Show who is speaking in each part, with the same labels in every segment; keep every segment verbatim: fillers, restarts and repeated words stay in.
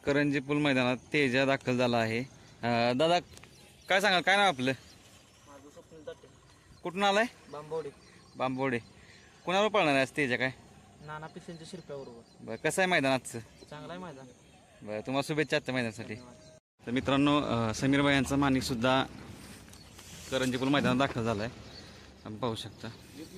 Speaker 1: करंजी पूल मैदानात तेजा दाखल झाला आहे. अं, दादा काय सांगाल, काय नाव आपलं?
Speaker 2: माझं स्वप्नील जाते.
Speaker 1: कुठून आलाय?
Speaker 2: बांबवडे.
Speaker 1: बांबोडे. कुणावर पळणार आहे आज तेजा काय?
Speaker 2: नाना पिसेंच्या शिरप्याबरोबर.
Speaker 1: बरं, कसं आहे मैदानाचं?
Speaker 2: चांगला आहे मैदान.
Speaker 1: बरं, तुम्हाला शुभेच्छा आजच्या मैदानासाठी. तर मित्रांनो, अं, समीर भाई यांचा माणिकसुद्धा करंजी पूल मैदानात दाखल झाला आहे. आपण पाहू शकता.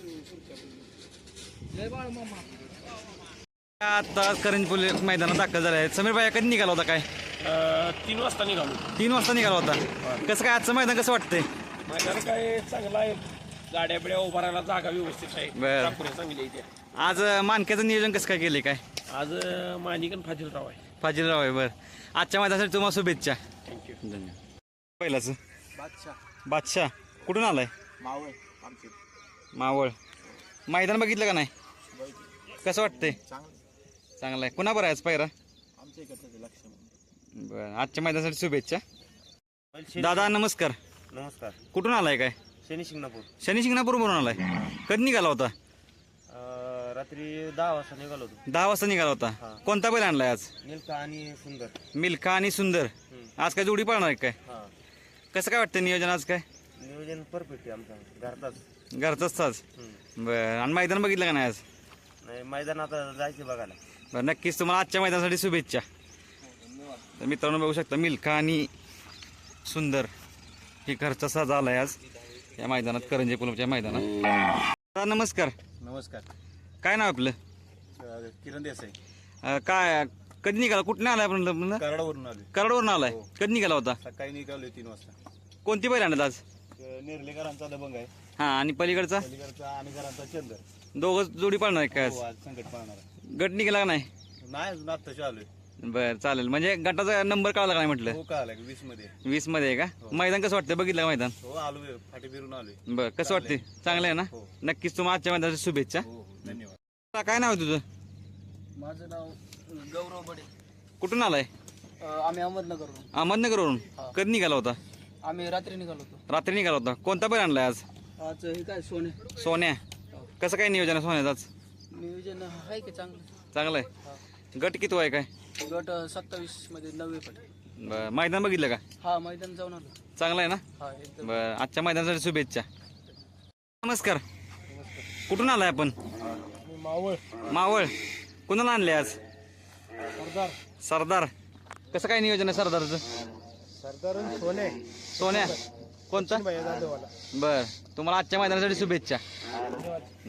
Speaker 1: आता करंजी पूल मैदानात दाखल झाला आहे. समीर भाई कधी निघाला होता काय?
Speaker 3: तीन वाजता निघालो.
Speaker 1: तीन वाजता निघाला होता. कसं काय आजचं मैदान कसं वाटतंय?
Speaker 3: मैदान काय चांगलं आहे, गाड्या बिड्या उभा राहायला जागा व्यवस्थित आहे.
Speaker 1: बरं.
Speaker 3: चाकऱ्या चांगली आहे त्या.
Speaker 1: आज अं, मानक्याचं नियोजन कसं काय केले काय?
Speaker 3: आज मानिकन फाजीलराव आहे.
Speaker 1: फाजीलराव आहे. बरं, आजच्या मैदानासाठी तुम्हाला शुभेच्छा.
Speaker 3: थँक्यू.
Speaker 1: धन्यवाद. पहिलाच
Speaker 2: बादशाह
Speaker 1: बादशाह कुठून आलाय?
Speaker 2: मावळ आमचे.
Speaker 1: मावळ. मैदान बघितलं का नाही? कसं वाटतंय?
Speaker 2: चांगलं
Speaker 1: चांगलं आहे. कुणा बरं आहे आज पायरा?
Speaker 2: आमच्या इकडचं लक्ष.
Speaker 1: बरं, आजच्या मैदानासाठी शुभेच्छा. दादा नमस्कार.
Speaker 3: नमस्कार.
Speaker 1: कुठून आलाय काय?
Speaker 3: शनी शिंगणापूर.
Speaker 1: शनी शिंगणापूरवरून आलाय. कधी निघाला होता?
Speaker 3: रात्री दहा वाजता निघालो होतो.
Speaker 1: दहा वाजता निघाला होता. कोणता बैल आणलाय आज?
Speaker 3: निलका आणि सुंदर.
Speaker 1: मिल्खा आणि सुंदर. आज काय जोडी पाळणार आहे काय?
Speaker 3: हा,
Speaker 1: कसं काय वाटतं नियोजन आज काय?
Speaker 3: नियोजन परफेक्ट आहे आमचा, घरचाच.
Speaker 1: घरचाच ताज. बरं, आणि मैदान बघितलं का नाही आज?
Speaker 3: नाही, मैदान आता जायचं बघायला.
Speaker 1: बरं, नक्कीच तुम्हाला आजच्या मैदानासाठी शुभेच्छा. तर मित्रांनो बघू शकता, मिल्खा आणि सुंदर ही घरचा साज आलाय आज या मैदानात, करंजी पूलच्या मैदानात. दादा नमस्कार.
Speaker 2: नमस्कार.
Speaker 1: काय नाव आपलं?
Speaker 2: किरण देसाई.
Speaker 1: अं, काय कधी निघाला, कुठनं आलाय आपण?
Speaker 2: कराडावरून आले.
Speaker 1: कराडवरून आलाय. कधी निघाला होता?
Speaker 2: सकाळी निघालोय तीन वाजता.
Speaker 1: कोणती बैल आणत आज?
Speaker 2: निर्लेकरांचा दबंग आहे.
Speaker 1: हा, आणि पलीकडचा
Speaker 2: पलीकडचा आणि घरांचा चंदर.
Speaker 1: दोघं जोडी पाळणार आहे काय
Speaker 2: हो,
Speaker 1: आज?
Speaker 2: आज संकट पाहणार आहे.
Speaker 1: गट निघाला का नाही?
Speaker 2: नाही अजून आत्ताशी आलोय.
Speaker 1: बरं, चालेल. म्हणजे गटाचा नंबर कळाला का नाही म्हटलं?
Speaker 2: हो, का आलाय वीस मध्ये.
Speaker 1: वीस मध्ये आहे का? मैदान कसं वाटतं, बघितलं का मैदान?
Speaker 2: हो, आलोय फाटी फिरून आलोय.
Speaker 1: बरं, कसं वाटते? चांगलं आहे ना?
Speaker 2: हो.
Speaker 1: नक्कीच तुम्हाला आजच्या मैदानाची शुभेच्छा.
Speaker 2: हो हो, धन्यवाद.
Speaker 1: तुला काय नाव आहे तुझं?
Speaker 2: माझं नाव गौरव बडे.
Speaker 1: कुठून आलाय?
Speaker 2: आम्ही अहमदनगरवरून.
Speaker 1: अहमदनगरवरून. कधी निघाला होता?
Speaker 2: आम्ही रात्री निघालो होतो.
Speaker 1: रात्री निघाला होता. कोणता बैल आणलाय आज?
Speaker 2: आज हे काय सोने.
Speaker 1: सोन्या. कसं काय नियोजन आहे सोन्याचं आज?
Speaker 2: नियोजन आहे की चांगलं.
Speaker 1: चांगलं आहे. गट किती आहे काय?
Speaker 2: गट सत्तावीस मध्ये नववे पट.
Speaker 1: बरं, मैदान बघितलं का?
Speaker 2: हा, मैदान जाऊन आलो.
Speaker 1: चांगलं आहे ना?
Speaker 2: हा, एकदम.
Speaker 1: बरं, आजच्या मैदानासाठी शुभेच्छा. नमस्कार. कुठून आलाय आपण?
Speaker 2: मावळ.
Speaker 1: मावळ. कुणाला आणले आज?
Speaker 2: सरदार.
Speaker 1: सरदार. कसं काय नियोजन आहे सरदारचं?
Speaker 2: सरदार सोने.
Speaker 1: सोन्या. कोणता?
Speaker 2: जाधववाला.
Speaker 1: बरं, तुम्हाला आजच्या मैदानासाठी शुभेच्छा.
Speaker 2: धन्यवाद.